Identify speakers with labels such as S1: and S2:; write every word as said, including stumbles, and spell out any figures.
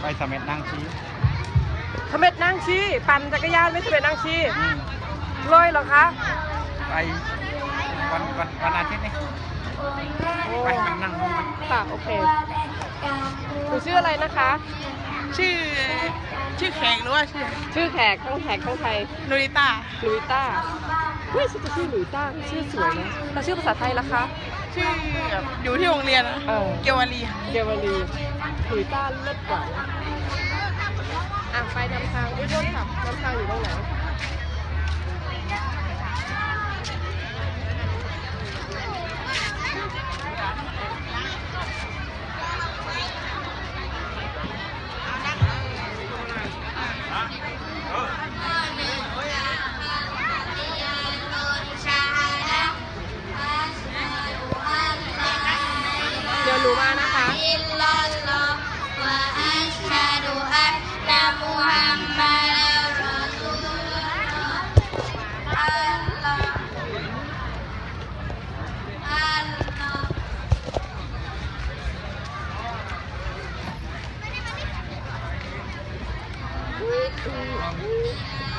S1: ไปเสม็ดนางชี
S2: เสม็ดนางชีปั่นจักรยานไม่เสม็ดนางชีเลยเหรอคะ
S1: ไปวันวันวันอาทิตย์นี่ไปมันนั่งดูมัน
S2: ค่ะโอเคหนูชื่ออะไรนะคะ
S3: ชื่อชื่อแขกหรือว่าชื่อ
S2: ชื่อแขกทั้งแขกทั้งไทย
S3: นูริต้า
S2: ลุยต้าเฮ้ยฉันจะชื่อลุยต้าชื่อสวยนะแล้วชื่อภาษาไทยล่ะคะ
S3: ชื่อแบบอยู่ที่โรงเรียนอะ
S2: เออ
S3: เกวาลี
S2: เกวลีลุยต้าเลิศกว่านะอ่ะไปนำทางด้วยรถขับนำทางอยู่ตรงไหนเดี๋ยวหนูมานะคะ
S4: อิลลัลลอฮ์วะอัชฮะดุอันนะมุฮัมมัดรอซูลุลลอฮ์อัลลอฮ์อัลลอฮ์